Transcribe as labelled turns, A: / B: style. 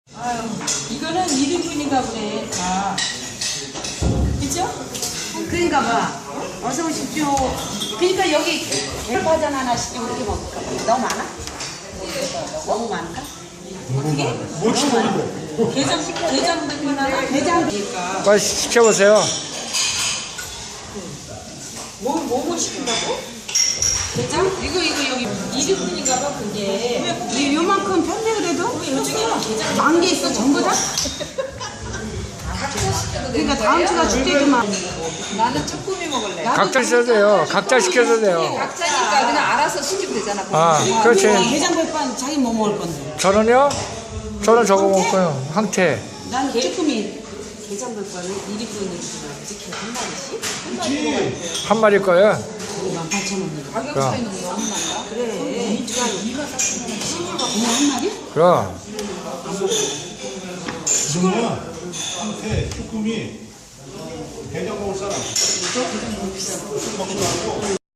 A: 아유, 이거는 1인분인가 보네, 다. 그죠?
B: 그러니까 봐. 어서 오십시오. 그러니까 여기 개파전 하나씩 좀 이렇게 먹을까? 너무 많아? 너무 많을까?
A: 어떻게?
C: 뭐 치는데?
A: 게장 백반 하나? 게장이니까.
D: 빨리 시켜보세요.
A: 뭐 시킨다고? 게장? 이거 여기 1인분인가 봐, 그게.
B: 이 요만큼 편데 그래도?
A: 요즘에 게장.
B: 만 개 있어 전부 다? 그러니까 다음 주가 줄게구만.
A: 나는 쭈꾸미 먹을래.
D: 각자 시켜도 돼요. 각자 시켜도 돼요.
A: 각자니까 그냥 알아서 시키면 되잖아.
D: 아, 그렇지.
B: 게장 백반 자기 뭐 먹을 건데?
D: 저는요? 저는 저거 먹고요. 황태.
B: 난 쭈꾸미.
A: 게장 백반을 1인분이구나. 이렇게 한 마리씩?
D: 한 마리 거요.
B: 18,000원.
A: 가격
D: 그럼.
A: 차이는 너무 많다.
B: 그래. 그냥 한 마리?
D: 그럼.
C: 정말 한테 쭈꾸미 게장 먹을 사람.